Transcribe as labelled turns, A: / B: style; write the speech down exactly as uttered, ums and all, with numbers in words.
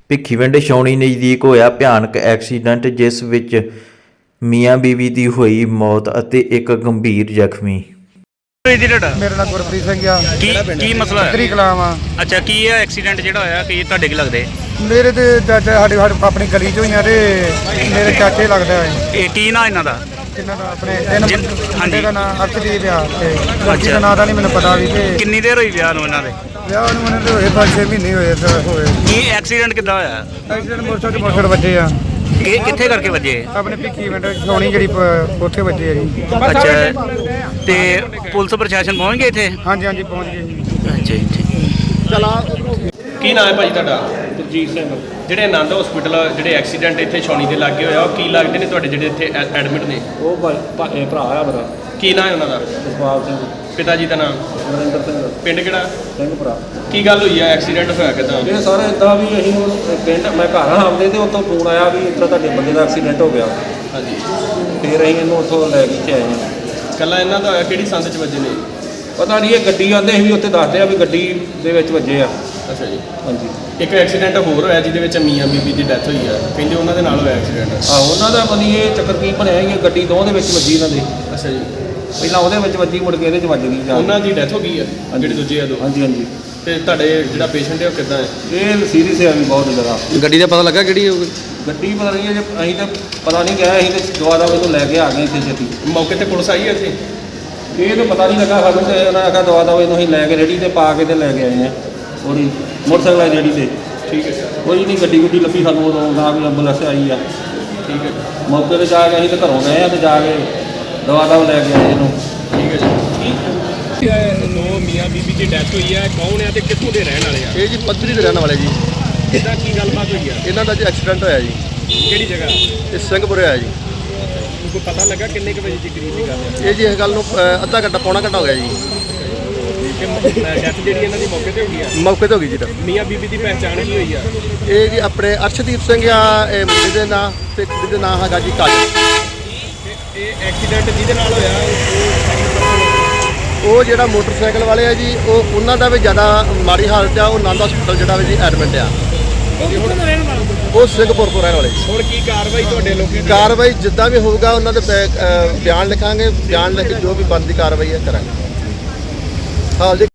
A: ਭਿੱਖੀਵਿੰਡ ਛਾਉਣੀ ਨਜ਼ਦੀਕ ਹੋਇਆ ਭਿਆਨਕ ਐਕਸੀਡੈਂਟ, ਜਿਸ ਵਿੱਚ ਮੀਆਂ ਬੀਵੀ ਦੀ ਹੋਈ ਮੌਤ ਅਤੇ ਇੱਕ ਗੰਭੀਰ ਜ਼ਖਮੀ।
B: ਜੀ ਤੁਹਾਡਾ?
C: ਮੇਰਾ ਨਾਮ ਗੁਰਪ੍ਰੀਤ ਸਿੰਘ ਆ।
B: ਕੀ ਕੀ ਮਸਲਾ ਹੈ?
C: ਤਰੀ ਕਲਾਮ ਆ।
B: ਅੱਛਾ, ਕੀ ਹੈ ਐਕਸੀਡੈਂਟ ਜਿਹੜਾ ਹੋਇਆ? ਕੀ ਤੁਹਾਡੇ ਕੀ ਲੱਗਦੇ?
C: ਮੇਰੇ ਤੇ ਚਾਚਾ ਸਾਡੇ ਸਾਡੇ ਆਪਣੀ ਗਲੀ ਚੋਂ ਹੀ ਆ ਤੇ ਮੇਰੇ ਚਾਚੇ ਲੱਗਦਾ ਹੈ।
B: ਇਹ ਕੀ ਨਾਂ ਇਹਨਾਂ ਦਾ?
C: ਕਿੰਨਾ ਦਾ ਆਪਣੇ ਤਿੰਨ
B: ਜਿਨ-
C: ਮੁੰਡੇ
B: ਹਾਂਜੀ।
C: ਦਾ ਨਾਮ ਅਰਸ਼ਦੀਪ ਆ ਤੇ ਲੜਕੀ
B: ਅੱਛਾ।
C: ਦਾ ਨਾਂ ਤਾਂ ਨਹੀਂ ਮੈਨੂੰ ਪਤਾ ਵੀ ਤੇ
B: ਕਿੰਨੀ ਦੇਰ ਹੋਈ ਵਿਆਹ ਨੂੰ ਇਹਨਾਂ ਦੇ?
C: ਵਿਆਹ ਨੂੰ ਉਹਨਾਂ ਦੇ ਹੋਏ ਪੰਜ ਛੇ ਮਹੀਨੇ ਹੋਏ ਤਾਂ ਹੋਏ।
B: ਕੀ ਐਕਸੀਡੈਂਟ ਕਿੱਦਾਂ ਹੋਇਆ?
C: ਐਕਸੀਡੈਂਟ ਮੋਟਰਸਾਈਕਲ ਮੋਟਰ ਵੱਜੇ ਆ
B: ਕਿ ਕਿੱਥੇ ਕਰਕੇ ਵੱਜੇ?
C: ਆਪਣੇ ਭਿੱਖੀਵਿੰਡ ਛਾਉਣੀ ਜਿਹੜੀ ਪ- ਉੱਥੇ ਵੱਜੇ ਆ ਜੀ।
B: ਅੱਛਾ, ਤੇ ਪੁਲਿਸ ਪ੍ਰਸ਼ਾਸਨ ਪਹੁੰਚ ਗਏ ਇੱਥੇ?
C: ਹਾਂਜੀ ਹਾਂਜੀ ਪਹੁੰਚ ਗਏ ਜੀ।
B: ਅੱਛਾ ਜੀ।
D: ਕੀ ਨਾਮ ਹੈ ਭਾਈ ਤੁਹਾਡਾ?
E: ਜਗਜੀਤ ਸਿੰਘ।
D: ਜਿਹੜੇ ਆਨੰਦ ਹਸਪੀਟਲ ਜਿਹੜੇ ਐਕਸੀਡੈਂਟ ਇੱਥੇ ਛਾਉਣੀ ਦੇ ਲਾਗੇ ਹੋਇਆ, ਉਹ ਕੀ ਲੱਗਦੇ ਨੇ ਤੁਹਾਡੇ ਜਿਹੜੇ ਇੱਥੇ ਐਡਮਿਟ ਨੇ?
E: ਉਹ ਭਾਈ ਭਾ- ਇਹ ਭਰਾ ਆ ਮੇਰਾ
D: ਕੀ ਨਾਮ ਹੈ ਉਹਨਾਂ ਦਾ?
E: ਜਸਪਾਲ ਸਿੰਘ।
D: ਪਿਤਾ ਜੀ ਦਾ ਨਾਮ?
E: ਨਰਿੰਦਰ ਸਿੰਘ
D: ਪਿੰਡ ਕਿਹੜਾ?
E: ਸਿੰਘ ਭਰਾ।
D: ਕੀ ਗੱਲ ਹੋਈ ਆ? ਐਕਸੀਡੈਂਟ ਹੋਇਆ ਕਿੱਦਾਂ?
E: ਇਹ ਸਾਰਾ ਇਦਾਂ ਵੀ ਅਸੀਂ ਉਹ ਪਿੰਡ ਮੈਂ ਘਰ ਆ ਆਉਂਦੇ ਤੇ ਉੱਥੋਂ ਫੋਨ ਆਇਆ ਵੀ ਇੱਥੇ ਤੁਹਾਡੇ ਬੰਦੇ ਦਾ ਐਕਸੀਡੈਂਟ ਹੋ ਗਿਆ।
D: ਹਾਂਜੀ,
E: ਫਿਰ ਅਸੀਂ ਇਹਨੂੰ ਉੱਥੋਂ ਲੈ ਕੇ ਇੱਥੇ ਆਏ ਹਾਂ।
D: ਕੱਲਾ ਇਹਨਾਂ ਦਾ ਹੋਇਆ? ਕਿਹੜੀ ਸੰਦ 'ਚ ਵੱਜੇ ਨੇ?
E: ਪਤਾ ਨਹੀਂ, ਇਹ ਗੱਡੀ ਆਉਂਦੇ ਸੀ ਵੀ ਉੱਥੇ ਦੱਸਦੇ ਆ ਵੀ ਗੱਡੀ ਦੇ ਵਿੱਚ ਵੱਜੇ ਆ।
D: ਅੱਛਾ ਜੀ।
E: ਹਾਂਜੀ।
D: ਇੱਕ ਐਕਸੀਡੈਂਟ ਹੋਰ ਹੋਇਆ ਜਿਹਦੇ ਵਿੱਚ ਮੀਆਂ ਬੀਬੀ ਦੀ ਡੈਥ ਹੋਈ ਆ, ਕਹਿੰਦੇ ਉਹਨਾਂ ਦੇ ਨਾਲ ਹੋਇਆ ਐਕਸੀਡੈਂਟ।
E: ਆਹੋ, ਉਹਨਾਂ ਦਾ ਪਤਾ ਨਹੀਂ ਇਹ ਚੱਕਰ ਕੀ ਬਣਿਆ ਸੀ, ਗੱਡੀ ਦੋਵਾਂ ਦੇ ਵਿੱਚ ਵੱਜੀ ਇਹਨਾਂ ਦੇ।
D: ਅੱਛਾ ਜੀ।
E: ਪਹਿਲਾਂ ਉਹਦੇ ਵਿੱਚ ਵੱਜੀ, ਮੁੜ ਕੇ ਇਹਦੇ 'ਚ ਵੱਜ ਗਈ ਜਾ ਕੇ।
D: ਉਹਨਾਂ ਦੀ ਡੈਥ ਹੋ ਗਈ ਆ ਜਿਹੜੇ ਦੂਜੇ ਆ ਦੋ?
E: ਹਾਂਜੀ ਹਾਂਜੀ।
D: ਤੇ ਤੁਹਾਡੇ ਜਿਹੜਾ ਪੇਸ਼ੈਂਟ ਹੈ ਉਹ ਕਿੱਦਾਂ ਹੈ?
E: ਇਹ ਸੀਰੀਅਸ ਹੈ ਵੀ ਬਹੁਤ ਜ਼ਿਆਦਾ।
F: ਗੱਡੀ ਦਾ ਪਤਾ ਲੱਗਾ ਕਿਹੜੀ ਹੋਊਗੀ?
E: ਗੱਡੀ ਪਤਾ ਨਹੀਂ ਜੇ ਅਸੀਂ ਤਾਂ ਪਤਾ ਨਹੀਂ ਗਿਆ, ਅਸੀਂ ਤਾਂ ਦੁਆ ਦਾ ਇਹਨੂੰ ਲੈ ਕੇ ਆ ਗਏ ਇੱਥੇ ਛੇਤੀ।
D: ਮੌਕੇ ਤੇ ਪੁਲਿਸ ਆਈ ਹੈ ਇੱਥੇ?
E: ਇਹ ਤਾਂ ਪਤਾ ਨਹੀਂ ਲੱਗਾ ਸਾਨੂੰ, ਤੇ ਉਹਨਾਂ ਆਖਿਆ ਦਵਾ ਦਵਾ ਇਹਨੂੰ ਅਸੀਂ ਲੈ ਕੇ ਰੇੜੀ ਤੇ ਪਾ ਕੇ ਤੇ ਲੈ ਕੇ ਆਏ ਆ ਉਹਦੀ ਮੋਟਰਸਾਈਕਲ ਵਾਲੀ ਰੇੜੀ ਤੇ।
D: ਠੀਕ ਹੈ,
E: ਕੋਈ ਨਹੀਂ ਗੱਡੀ ਗੁੱਡੀ ਲੱਭੀ ਸਾਨੂੰ, ਉਦੋਂ ਨਾ ਵੀ ਐਂਬੂਲੈਂਸ ਆਈ ਆ।
D: ਠੀਕ ਹੈ,
E: ਮੌਕੇ ਤੇ ਜਾ ਕੇ ਅਸੀਂ ਤਾਂ ਘਰੋਂ ਗਏ ਆ ਤੇ ਜਾ ਕੇ ਦਵਾ ਦਵਾ ਲੈ ਕੇ ਆਏ ਇਹਨੂੰ।
D: ਠੀਕ ਹੈ ਜੀ। ਦੋ ਮੀਆਂ ਬੀਬੀ ਦੀ ਡੈਥ ਹੋਈ ਹੈ, ਕੌਣ ਹੈ ਤੇ ਕਿੱਥੋਂ ਦੇ ਰਹਿਣ ਵਾਲੇ ਆ?
F: ਇਹ ਜੀ ਪੱਧਰੀ ਦੇ ਰਹਿਣ ਵਾਲੇ ਜੀ।
D: ਕਿੱਦਾਂ ਕੀ ਗੱਲਬਾਤ ਹੋਈ ਆ?
F: ਇਹਨਾਂ ਦਾ ਜੀ ਐਕਸੀਡੈਂਟ ਹੋਇਆ ਜੀ।
D: ਕਿਹੜੀ ਜਗ੍ਹਾ?
F: ਇਹ ਸਿੰਘਪੁਰੇ ਹੋਇਆ ਜੀ।
D: ਕੋਈ ਪਤਾ ਲੱਗਾ ਕਿੰਨੇ ਕੁ ਵਜੇ ਦੀ ਕਰੀਬ ਦੀ ਗੱਲ ਹੈ?
F: ਇਹ ਜੀ ਇਸ ਗੱਲ ਨੂੰ ਅ, ਅੱਧਾ ਘੰਟਾ ਪੌਣਾ ਘੰਟਾ ਹੋ ਗਿਆ ਜੀ।
D: ਡੈਥ ਜਿਹੜੀ ਇਹਨਾਂ ਦੀ ਮੌਕੇ ਤੇ ਹੋ ਗਈ ਆ?
F: ਮੌਕੇ ਤੇ ਹੋ ਗਈ ਜੀ।
D: ਮੀਆਂ ਬੀਬੀ ਦੀ ਪਹਿਚਾਣ ਕੀ ਹੋਈ ਆ?
F: ਇਹ ਜੀ ਆਪਣੇ ਅਰਸ਼ਦੀਪ ਸਿੰਘ ਆ ਇਹ ਮੁੰਡੇ ਦੇ ਨਾਂ, ਤੇ ਕੁੜੀ ਦੇ ਨਾਂ ਹੈਗਾ ਜੀ ਕਾਜਲ।
D: ਇਹ ਐਕਸੀਡੈਂਟ ਜਿਹਦੇ ਨਾਲ ਹੋਇਆ
F: ਉਹ ਜਿਹੜਾ ਮੋਟਰਸਾਈਕਲ ਵਾਲੇ ਆ ਜੀ, ਉਹ ਉਹਨਾਂ ਦਾ ਵੀ ਜ਼ਿਆਦਾ ਮਾੜੀ ਹਾਲਤ ਆ। ਉਹ ਆਨੰਦ ਹਸਪੀਟਲ ਜਿਹੜਾ ਵੀ ਜੀ ਐਡਮਿਟ ਆ। ਉਹ ਸਿੰਘਪੁਰ ਤੋਂ ਰਹਿਣ ਵਾਲੇ ਜੀ।
D: ਹੁਣ ਕੀ ਕਾਰਵਾਈ ਤੁਹਾਡੇ ਲੋਕਾਂ ਦੀ?
F: ਕਾਰਵਾਈ ਜਿੱਦਾਂ ਵੀ ਹੋਊਗਾ ਉਹਨਾਂ ਦੇ ਬੈ- ਅ, ਬਿਆਨ ਲਿਖਾਂਗੇ। ਬਿਆਨ ਲਿਖ ਕੇ ਜੋ ਵੀ ਬਣਦੀ ਕਾਰਵਾਈ ਹੈ ਕਰਾਂਗੇ। ਹਾਲ ਜੀ